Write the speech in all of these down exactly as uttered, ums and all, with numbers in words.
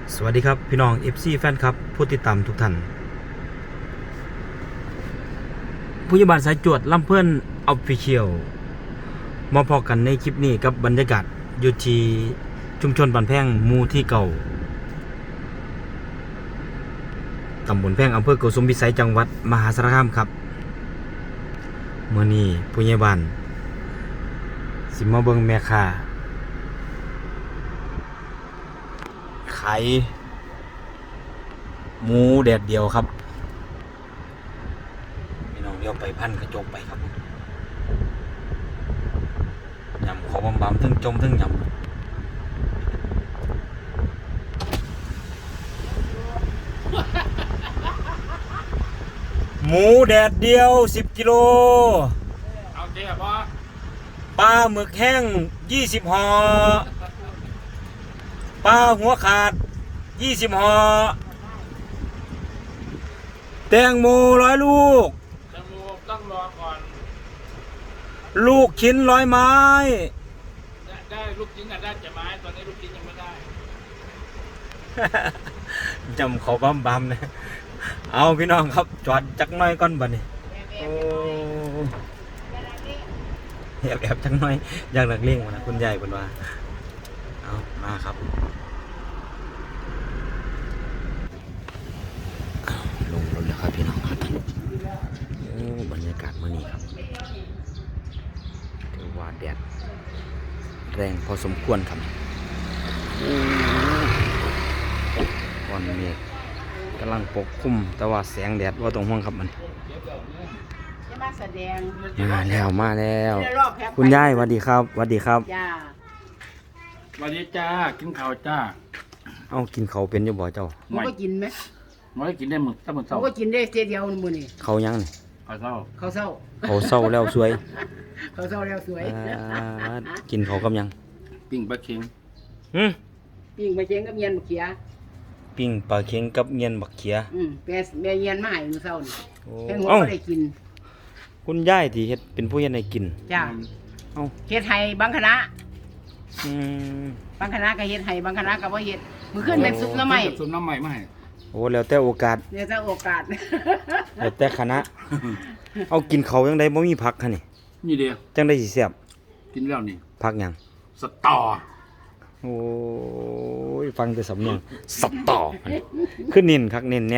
สวัสดีครับพี่น้อง เอฟ ซี แฟนครับผู้ติดตามทุกท่านผู้ใหญ่บ้านสายจวดลำเพื่อนออฟฟิเชียลมาพอกันในคลิปนี้กับบรรยากาศอยู่ที่ชุมชนบ้านแพงหมู่ที่เก่าตำบลแพงอำเภอโกสุมพิสัยจังหวัดมหาสารคามครับเมื่อนี้ผู้ใหญ่บ้านสิมาเบิ่งแม่ค้าขายหมูแดดเดียวครับพี่น้องเดียวไปพันกระจกไปครับยำขอบำบำทั้งจมทั้งยำหมูแดดเดียวสิบกิโลเอาเจ๊ป่ะปลาหมึกแห้งยี่สิบห่อปลาหัวขาดยี่สิบห่อแตงโมร้อยลูกแตงโมต้องรอก่อนลูกชิ้นร้อยไม้ได้ลูกชิ้นกันได้จะไม้ตอนนี้ลูกชิ้นยังไม่ได้จำเขาบั๊มบั๊มนะเอาพี่น้องครับจอดจักหน่อยก่อนบัดนี้โอ้แอบแอบจักหน่อยอยากหลักเลี้ยงมานะคุณยายคุณว่าเอามาครับลงรถแล้วครับพี่น้องครับโอ้บรรยากาศเมื่อนี้ครับถือว่าแดดแรงพอสมควรครับก้อนเมฆกำลังปกคลุมแต่ว่าแสงแดดว่าตรงห้องครับมันมาแสดงมาแล้วมาแล้วคุณยายสวัสดีครับสวัสดีครับจ้าสวัสดีจ้ากินข้าวจ้าเอากินเขาเป็นอยู่บ่เจ้ามึงก็กินไหมมึงก็กินได้หมึกตั้งหมดเศร้ามึงก็กินได้เสียเดียวมือนี่เขายังนี่ข้าวเศร้าเขาเศร้าเขาเศร้าแล้วสวยเขาเศร้าแล้วสวยกินเขากับยังปิ้งปลาเค็งอืมปิ้งปลาเค็งกับเมียนบักเขียปิ้งปลาเค็งกับเมียนบักเขียอืมแม่แม่เมียนมาให้มื้อเช้านี่แค่หัวก็ได้กินคุณยายที่เฮ็ดเป็นผู้เฮ็ดให้กินจ้าเอ้าเฮ็ดให้บางคณะอืมบางคณะก็เฮ็ดให้บางคณะก็บ่เฮ็ดมื้อคืนเป็นซุปน้ำใหม่ซุปน้ำใหม่มาให้โอ้แล้วแต่โอกาสแล้วแต่โอกาสแล้วแต่คณะเอากินเขาจังได๋บ่มีผักคั่นนี่นี่เดียวจังได๋สิแซ่บกินแล้วนี่ผักหยังสตอโอ้ยฟังแต่สำเนียงสตอขึ้นเน้นคักเน้นเนี่ย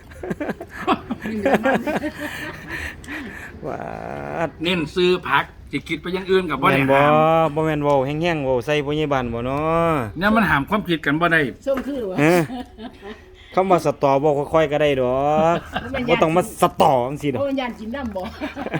ว้าเน้นซื้อผักสิคิดไปอย่างอื่นกับบ่ได้บ่บ่แม่นเว้าแห้งๆเว้าใส่ผู้ใหญ่บ้านบ่เนาะเนี่ยมันห้ามความคิดกันบ่ได้ส้มคือวะคำว่าสตอบ่ค่อยๆก็ได้ดอกบ่ต้องมาสตอจังซี่ดอกโอ้ยย่านกินน้ำบ่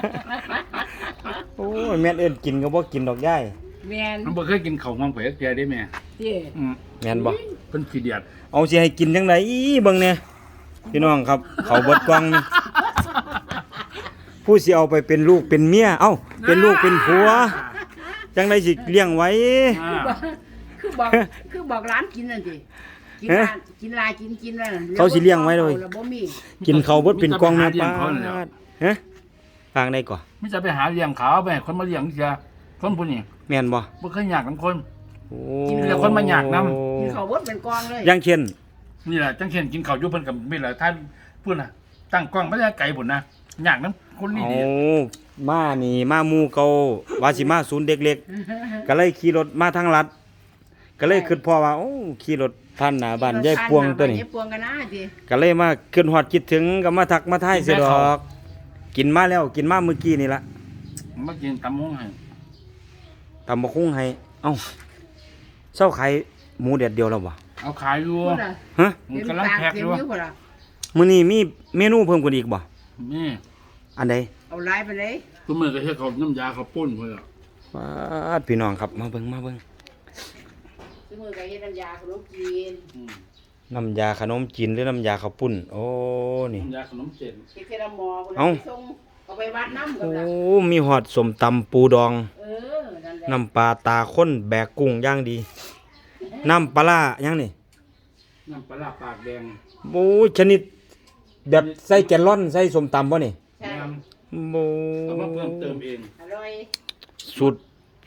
โอ้ยแม่นเอิ้นกินก็บ่กินดอกยายแม่นมันบ่เคยกินข้าวหอมเผยแกได้แม่เด้อืมแม่นบ่เพิ่นขี้เดียดเอาสิให้กินจังได๋เบิ่งแน่พี่น้องครับเขาเบิดกล่องนี่ผู้สิเอาไปเป็นลูกเป็นเมียเอ้าเป็นลูกเป็นผัวจังได๋สิเลี้ยงไว้คือบอกคือบอกร้านกินนั่นสิกินลากินลากินกินนั่นเขาสิเลี้ยงไว้เลยกินเขาเบิดเป็นกล่องแม่ป้าฮะทางใดก่อมิจะไปหาเลี้ยงเขาไปคนมาเลี้ยงเสียคนผู้นี้แม่นบ่บ่เคยอยากนำคนกินแล้วคนมาอยากนำกินเขาเบิดเป็นกล่องเลยอย่างเช่นนี่แหละจังเช่นกินข้าวอยู่เพิ่นกับมีหลายท่านพูดน่ะตั้งกล้องบ่ได้ไกลพุ่นนะอยากนำคนนี้ดิโอ้มานี่มาหมู่เก่าว่าสิมาศูนย์เด็กเล็กก็เลยขี่รถมาทางลัดก็เลยคิดพ่อว่าโอ้ขี่รถผ่านหน้าบ้านยายปวงตัวนี้ยายปวงกันนะสิก็เลยมาขึ้นฮอดคิดถึงก็มาทักมาทายเสียดอกกินมาแล้วกินมาเมื่อกี้นี่ล่ะมากินตำมุ้งให้ตำบักหุ่งให้เอ้าเช้าขายหมูแดดเดียวแล้วบ่เอาขายอยู่ฮะมันกำลังแพ็คอยู่มื้อนี้มีเมนูเพิ่มขึ้นอีกบ่มีอันใดเอาหลายไปเลยตัวมื้อก็เฮ็ดข้าวน้ำยาข้าวปุ้นพุ่นล่ะว้าพี่น้องครับมาเบิ่งมาเบิ่งตัวมื้อก็เฮ็ดน้ำยาขนมจีนน้ำยาขนมจีนหรือน้ำยาข้าวปุ้นโอ้นี่น้ำยาขนมจีนเฮ็ดเทละหม้อพุ่นไปส่งเอาไปวัดน้ำก็ได้โอ้มีฮอดส้มตำปูดองเออนั่นแหละน้ำปลาตาข้นแบกกุ้งย่างดีน้ำปลาร้ายังนี่น้ำปลาร้าปากแดงโอ้ชนิดแบบใส่แกลลอนใส่ส้มตำป่ะนี่ใช่โอ้เอามาเพิ่มเติมเองอร่อยสูตร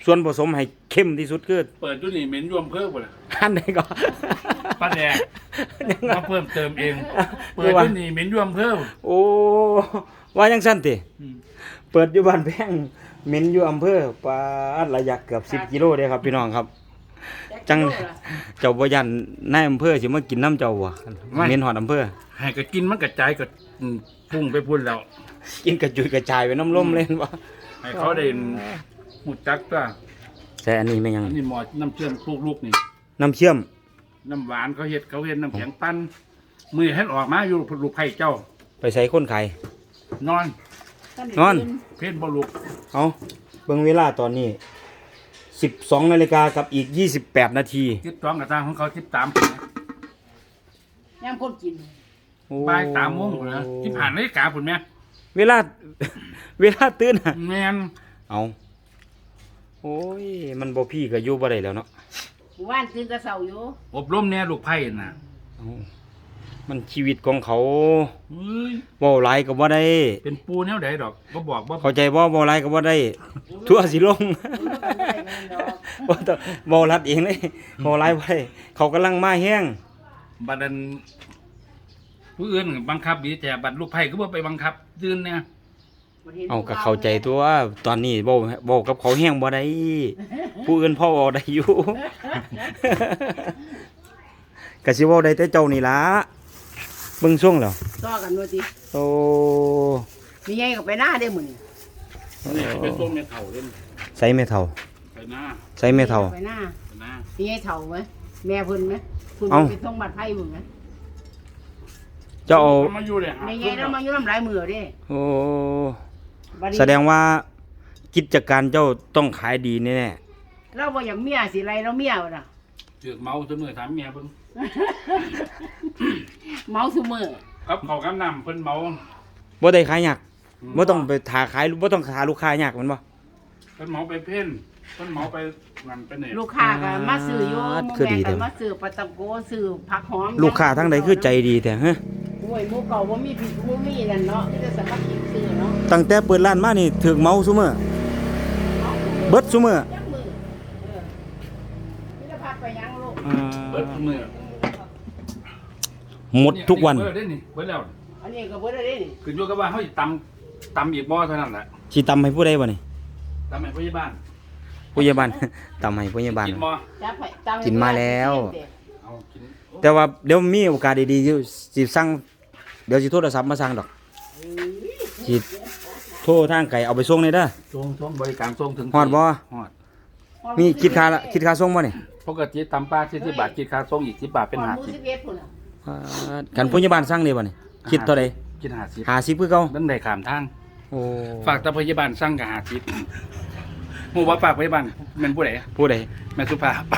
ส่วนผสมให้เข้มที่สุดคือเปิดอยู่นี่เหม็นยวมเพิ่มหมดเลยอันใดก็ป้าแดกยังไงมาเพิ่มเติมเอง เปิดคือว่าอยู่นี่เหม็นยวมเพิ่มโอ้ว่าจังซั่นติเปิดอยู่บ้านแพงเหม็นอยู่อำเภอปาดระยะเกือบสิบกิโลเด้ครับพี่น้องครับ จัง เจ้าบ่ยันนายอำเภอสิมากินน้ำเจ้าบ่เหม็นฮอดอำเภอให้ก็กินมันกระจายก็อืมพุ่งไปพุ่นแล้วกินกระจุยกระจายไปน้ำลมเล่นบ่ให้เขาได้หูจักตัวใช่อันนี้แม่นยังอันนี้หมอน้ำเชื่อมลูกลูกนี่น้ำเชื่อมน้ำหวานเขาเฮ็ดเขาเฮ็ดน้ำแข็งปั้นมือให้ออกมาอยู่ลูกไผ่เจ้าไปใส่คนขายนอนนอนเพ่นบ่ลูกเอาเบิ่งเวลาตอนนี้สิบสองนาฬิกากับอีกยี่สิบแปดนาทีคิดต้องกับทางของเขาคิดตามยามคนกินโอ้บ่ายสามโมงพุ่นนะที่ผ่านนาฬิกาพุ่นแม่เวลา เวลาตื่นน่ะแม่นเอาโอ้ยมันบ่พี่ก็อยู่บ่ได้แล้วเนาะหมู่บ้านตื่นแต่เช้าอยู่อบรมแน่ลูกไผ่น่ะเอามันชีวิตของเขาเอ้ยเว้าหลายก็บ่ได้เป็นปูแนวใดดอกบ่บอกบ่เข้าใจบ่เว้าหลายก็บ่ได้ ทั่วสิลง บ่ต้องเว้ารัดเองเลยเว้าหลายบ่ได้เขากำลังมาแห้งบัดนั้นผู้อื่นบังคับดีแต่บัดลูกไผ่ก็บ่ไปบังคับตื่นเนี่ยเอาก็เข้าใจตัวตอนนี้เว้าเว้ากับเขาแห้งบ่ได้ผู้อื่นพ่อเว้าได้อยู่ ก็สิเว้าได้แต่เจ้านี่ล่ะเบิ่งช่วงแล้วต่อกันว่าติโอ้มีไงก็ไปหน้าได้มื้อนี้นี่ไปส่งแม่เฒ่าเล่นใส่แม่เฒ่าไปหน้าใส่แม่เฒ่าไปหน้าไปหน้ามีไงเฒ่าไหมแม่เพิ่นไหมเพิ่นเอ้าไปส่งบัตรไผเบิ่งไหมเจ้าเอามาอยู่เลยหามีไงเรามาอยู่น้ำลายมือเด้โอ้บัดนี้แสดงว่ากิจการเจ้าต้องขายดีแน่เราบ่อยากเมียสิไรเราเมียบ่ล่ะถือเมาซุมื้อถามเมียเพิ่นเมาซุมื้อครับเขากำนำเพิ่นเมาๆบ่ได้ขายยากบ่ต้องไปถาขายบ่ต้องหาลูกค้ายากแมันบ่เพิ่นเมาไปเพ่นเพิ่นเมาไปนั่นไปนี่ลูกค้าก็มาซื้ออยู่อ่าหมู่คือแม่ดีเด้ก็อมาซื้อปลาตะโกซื้อผักหอมลูกค้าทั้งใดคือใจดีแท้ฮะโอ้ยหมู่เก่าบ่มีผิดบ่มีนั่นเนาะมีแต่สมัครกินซื้อเนาะตั้งแต่เปิดร้านมานี่ถึกเมาซุมื้อเบิดซุมื้อจักมือเออมีแต่พักไปยังลูกเบิดมื้อหมดทุกวันเบิดได้นี่เบิดแล้วอันนี้ก็บ่ได้เด้นี่ขึ้นอยู่กับว่าเฮาสิตำตำอีกบ่เท่านั้นแหละสิตำให้ผู้ใดบ่นี่ตำให้ผู้ใหญ่บ้านผู้ใหญ่บ้าน ตำให้ผู้ใหญ่บ้านกินบ่จับไปตังกินมาแล้วเอากินแต่ว่าเดี๋ยวมีโอกาสดีๆอยู่สิสั่งเดี๋ยวสิโทรศัพท์มาสั่งดอกสิโทรทางไกลเอาไปส่งเลยเด้อส่งส่งบริการส่งถึงฮอดบ่ฮอดมีคิดค่าละคิดค่าส่งบ่นี่ปกติตำปลาสี่สิบบาทคิดค่าส่งอีกสิบบาทเป็นหาห้าสิสิบบ เอ็ดพุ่นน่ะอ่ากันผู้ใหญ่บ้านสั่งนี่บ่นี่คิดเท่าใดคิดห้าสิบห้าสิบคือเก่านั่นได้ขามทางโอ้ฝากตาพยาบาลสั่งกับห้าสิบหมู่ว่าฝากพยาบาลแม่นผู้ใดผู้ใดแม่นสุภาพ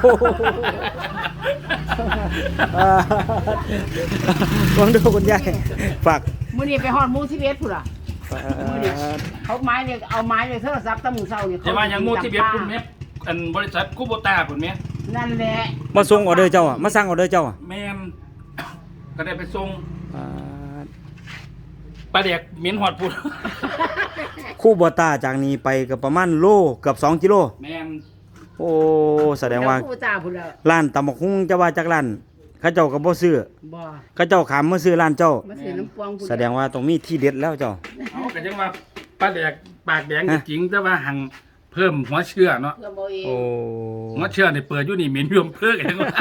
อ่าลองดูคุณยายฝากมื้อนี้ไปฮอดหมู่สิบเอ็ดพุ่นล่ะ มื้อนี้เขาไม้เนี่ยเอาไม้เลยโทรศัพท์ตะมื้อเช้านี่จะว่าอย่างงูที่เบียดคุณแม่อันบริษัทคูโบต้าคุณแม่นั่นแหละมาส่งออเดอร์เจ้าอ่ะมาสั่งออเดอร์เจ้าอ่ะแม่นก็ได้ไปส่งอ่าปลาเด็กเหม็นหอดพุ่นคู่บอต้าจากนี้ไปก็ประมาณโลเกือบสองกิโลแม่นโอ้แสดงว่าผู้ตาพุ่นแล้วร้านตำบักหุ่งจะว่าจากร้านเขาเจ้าก็บ่ซื้อบ่เขาเจ้าขามมาซื้อร้านเจ้ามาซื้อน้ำปองพุ่นแสดงว่าต้องมีที่เด็ดแล้วเจ้าเอาก็ยังว่าปลาเด็กปากแดงจริงๆแต่ว่าหังเพิ่มหัวเชื้อเนาะเพื่อบ่เองโอ้หัวเชื้อนี่เปิดอยู่นี่เหม็นรวมเพิ่งเองว่า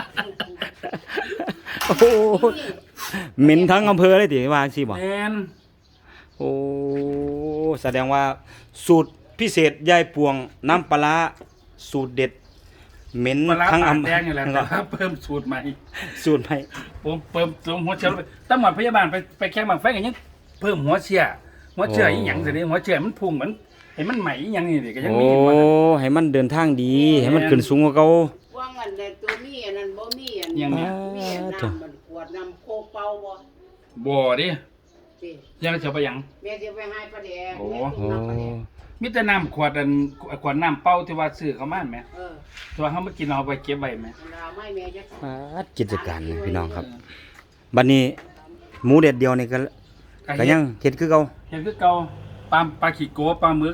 โอ้เหม็นทั้งอำเภอเลยติว่าสิบ่แม่นโอ้แสดงว่าสูตรพิเศษยายปวงน้ำปลาร้าสูตรเด็ดเหม็นปลาร้าทั้งปากอำแดงนี่แหละแต่ว่าเพิ่มสูตรใหม่สูตรใหม่ผมเพิ่มเติมหัวเชื้อลงไปตำรวจพยาบาลไปไปแข่งบางไฟกันยังเพิ่มหัวเชื้อหัวเชื้ออีหยังสิหัวเชื้อมันพุ่งเหมือนเห็นมันไหมอีหยังนี่ดิก็ยังโอ้มีอยู่ว่าให้มันเดินทางดี ให้มันขึ้นสูงกว่าเก่าว่างันแต่ตัวมีอันนั้นบ่มีอันยังไงมีอันน้ำมันขวดน้ำโคกเปล่าบ่บ่ดิสิยังจะไปหยังแม่สิไปให้ปลาแดงโอ้แม่โอ้ตุ่มน้ำปลาแดงมีแต่น้ำขวดอันขวดน้ำเปล่าที่ว่าซื้อเข้ามาแหมเออที่ว่าเฮามากินเอาไปเก็บไว้แหมอันเราไม่แม่จักปาดกิจการเลยพี่น้องครับ บัดนี้หมูเด็ดเดียวนี่ก็ก็ยังเฮ็ดคือเก่าเห็นคือเก่าปลาปลาขี้โกปลาหมึก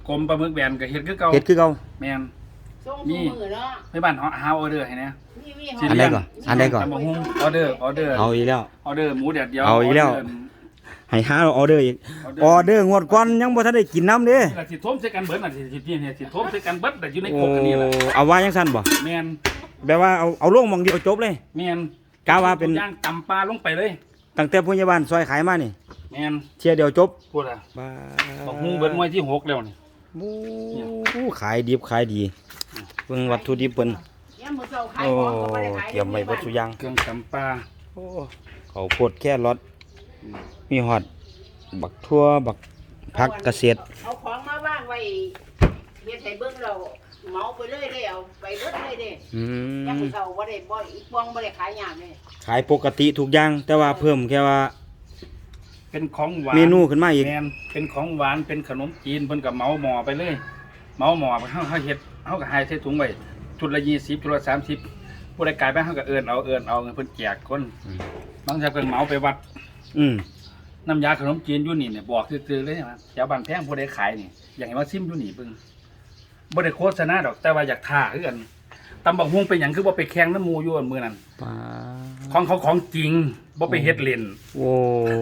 กรมปลาหมึกแบนก็เฮ็ดคือเก่าเฮ็ดคือเก่าแม่นส่งมีมือเนาะไปบ้านเฮาหาออเดอร์ให้นะมีมีสิอันใดก่อนอันใดก่อนตำบักหุ่งออเดอร์ออเดอร์เอาอีกแล้วออเดอร์หมูแดดเดียวเอาอีกแล้ว ให้หาออเดอร์อีกออเดอร์งวดก่อนยังบ่ทันได้กินน้ำเด้นี่ล่ะสิโทมใส่กันเบิดน่ะสิสิเนี่ยสิโทมใส่กันเบิดแต่อยู่ในโอ้โคกอันนี้ล่ะเอาว่าจังซั่นบ่แม่นแปลว่าเอาเอาลงหม่องเดียวจบเลยแม่นกะว่าเป็นย่างตำปลาลงไปเลยตั้งแต่ผู้ใหญ่บ้านซอยขายมานี่แม่นเที่ยเดียวจบพูดอ่ะบ้าบักหุ่งเบิดมวยที่หกแล้วนี่โอ้ขายดิบขายดีเบิ่งวัตถุดิบเพิ่นยามมื้อเช้าขายโอ้ของก็บ่ได้ขายเตรียมไว้เบิดทุกอย่างเครื่องตำปลาโอ้ข้าวโพดแค่รสมีฮอดบักทั่วบักผักเกษตรเอาของมาว่างไว้เฮ็ดให้เบิ่งเราเหมาไปเลยเด้เอาไปเบิดเลยเด้อืยามมมื้อเช้าบ่ได้บ่อีกพวงบ่ได้ขายยามเลยขายปกติทุกอย่าง แต่ว่าเพิ่มแค่ว่าเป็นของหวานเมนูขึ้นมาอีกแม่นเป็นของหวานเป็นขนมจีนเพิ่นก็เหมาหม้อไปเลยเหมาหม้อไปเฮาเฮาเฮ็ดเฮาก็หายใส่ถุงไว้ชุดละยี่สิบชุดละสามสิบผู้ใดกลายไปเฮาก็เอิ้นเอาเอิ้นเอาเพิ่นแจกคนบางทีเพิ่นเหมาไปวัดอืมน้ำยาขนมจีนอยู่นี่เนี่ยบอกซื่อๆเลยนะแถวบ้านแพงผู้ใดขายนี่อยากให้มาซิมอยู่นี่เบิ่งบ่ได้โฆษณาดอกแต่ว่าอยากท่าคือกันตำบักฮวงเป็นหยังคือบ่ไปแข่งน้ำหมู่อยู่อันมื้อนั้นปลาของเขาของจริงบ่ไปเฮ็ดเล่นโอ้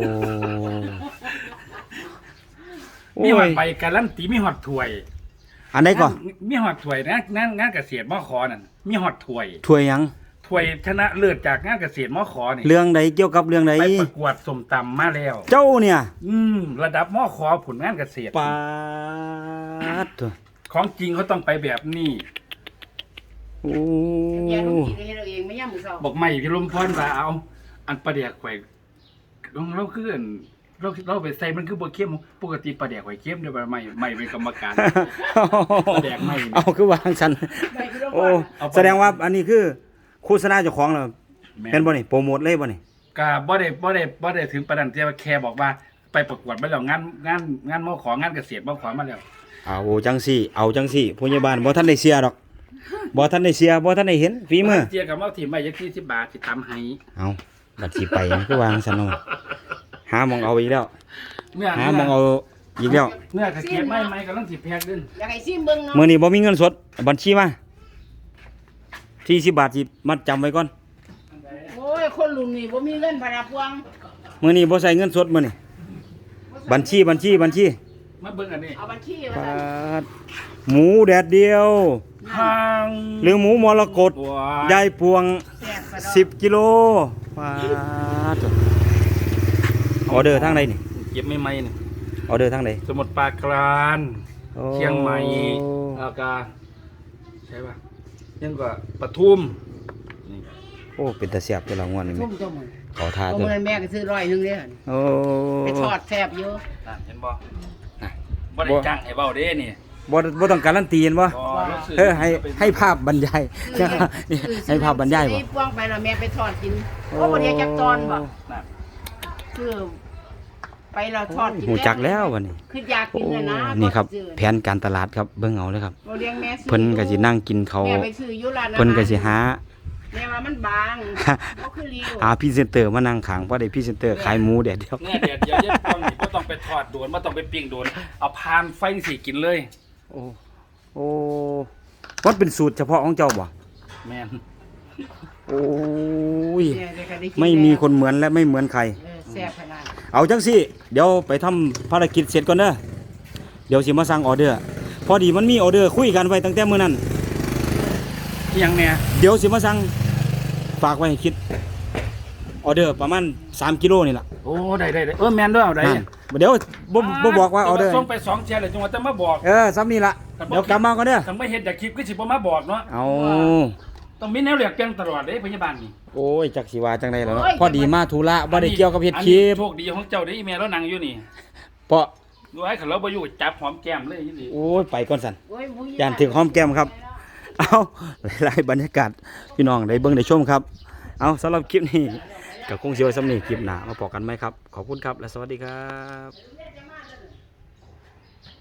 โอ้มีหอดยใบการันตีมีหอดถ้วยอันใดก่อนมีหอดถ้วยนะงานงานเกษตรมขนั่นมีหอดถ้วยถ้วยหยังถ้วยชนะเลิศจากงานเกษตรมขนี่เรื่องใดเกี่ยวกับเรื่องใดไปประกวดสมตำมาแล้วเจ้าเนี่ยอืมระดับมขผลงานเกษตรปาดตัวของจริงเขาต้องไปแบบนี้โอ้แม่ลูกกินเฮ็ดเอาเองไม่ยามมื้อเช้าบอกไม่พี่ลมพรว่าเอา อันปลาแดกไข่ลองเราคืออันเราเราไปใส่มันคือบ่เข้มปกติปลาแดกไข่เข้มเด้อบ่ไม่ไม่เป็นกรรมการ ปลาแดกไม่เอาคือวางสันไม่คือโอ้เอาไปแสดงว่าอันนี้คือโฆษณาเจ้าของเหรอเป็นบ่นี่โปรโมทเลยบ่นี่ก็บ่ได้บ่ได้บ่ได้ถึงประดันแต่ว่าแค่บอกว่าไปประกวดมาแล้วงานงานงานมของานเกษตรมขมาแล้วเอาจังซี่ เอาจังซี่ผู้ใหญ่บ้านบ่ทันได้เสียดอกบ่ทันได้เสียบ่ทันได้เห็นฝีมือเจียกับว่าทีมใบยักษ์สิบบาทสิตำให้เอาบัดสิไปหยังคือวางสันเนาะหาหมองเอาอีกแล้วเนื้อหาหมองเอาอีกแล้วเนื้อกระเกียบไม่ไม่กำลังสิแพกขึ้นอยากให้ซิมเบิ่งเนาะมื้อนี้บ่มีเงินสดบัญชีมาที่สิบบาทสิมัดจำไว้ก่อนโอ้ยคนรุ่นนี้บ่มีเงินพนับพวงมื้อนี้บ่ใส่เงินสดมื้อนี้บัญชีบัญชีบัญชีมาเบิ่งอันนี้เอาบัญชีปมาาดหมูแดดเดียวทางหรือหมูมรกตว้ายยายพวงแซ่บกระดอกสิบกิโลปาดออเดอร์ทางใดนี่เก็บไม่ไม่นี่ออเดอร์ทางใดสมุทรปราการโอ้เชียงใหม่อากาใช่ป่ะยังก็ปทุมนี่โอ้เป็นตาเสียบตัวละงวนนี่แม่ทุ่มเจ้ามื้อเขาทาเอาตัวมื้อนั้นแม่ก็ซื้อร้อยหนึงเด้อโอ้ไปทอดแซ่บอยู่น่ะเห็นบ่น่ะบ่ได้จ้างให้เว้าเด้นี่บ่บ่ต้องการันตีเห็นบ่บ่รู้สึกเออให้ให้ภาพบรรยายนี่ให้ภาพบรรยายบ่ซื้อพวงไปแล้วแม่ไปทอดกินโอ้บ่ได้จักตอนบ่น่ะคือไปเราทอดกินหูจักแล้ววันนี้คืออยากโอ้กินน่ะนะนี่ครับซื้อแผนการตลาดครับเบิ่งเอาเลยครับเราเลี้ยงแม่ซื้อเพิ่นก็สินั่งกินเขาวแม่ไปซื้ออยู่ร้านอาหารเพิ่นก็สิหาแม่ว่ามันบางบ่คือริ้วหาพรีเซนเตอร์มานั่งขังเพราะได้พรีเซนเตอร์ขายหมูแดดเดียวเนื้อแดดเดียวเนี่ยต้องนี่บ่ต้องไปทอดโดนบ่ต้องไปปิ้งโดนเอาพานไฟสิกินเลยโอ้โอ้มันเป็นสูตรเฉพาะของเจ้าบ่แม่นโอ้ยแม่ได้ก็ด้กิไม่มีคนเหมือนและไม่เหมือนใครเออแซ่บขนาดเอาจังสิเดี๋ยวไปทำภารกิจเสร็จก่อนเด้อเดี๋ยวสิมาสั่งออเดอร์ พอดีมันมีออเดอร์คุยกันไว้ตั้งแต่มื้อนั้นอิหยังเนี่ยเดี๋ยวสิมาสั่งฝากไว้ให้คิดออเดอร์ประมาณสามกิโลนี่ล่ะโอ้ได้ได้ได้เออแม่นด้วยเอาได้นั่นเดี๋ยวบ่บ่บอกว่าออเดอร์ส่งไปสองเที่ยเลยจังหวะแต่มาบอกเออซ้ำนี่ล่ะเดี๋ยวกลับมาก่อนเด้อถ้าไม่เฮ็ดจากคลิปก็สิบ่มาบอกเนาะเอาต้องมีแนวเรียกเปลี่ยนตลอดเด้พยาบาลนี่โอ้ยจักสิว่าจังได๋ล่ะเนาะพอดีมาธุระบ่ได้เกี่ยวกับเฮ็ดคลิปโชคดีของเจ้าได้อีเมลแล้วนั่งอยู่นี่เพราะดูให้เขาเราบ่อยู่จับหอมแก้มเลยยี่นี่โอ้ยไปก่อนสั่นโอ้ยบ่มีย่านถึงหอมแก้มครับ เอาหลายๆบรรยากาศพี่น้องได้เบิ่งได้ชมครับ เอาสำหรับคลิปนี้ก็คงสิไว้สำนี้คลิปหน้ามาพบกันไหมครับ ขอบคุณครับและสวัสดีครับ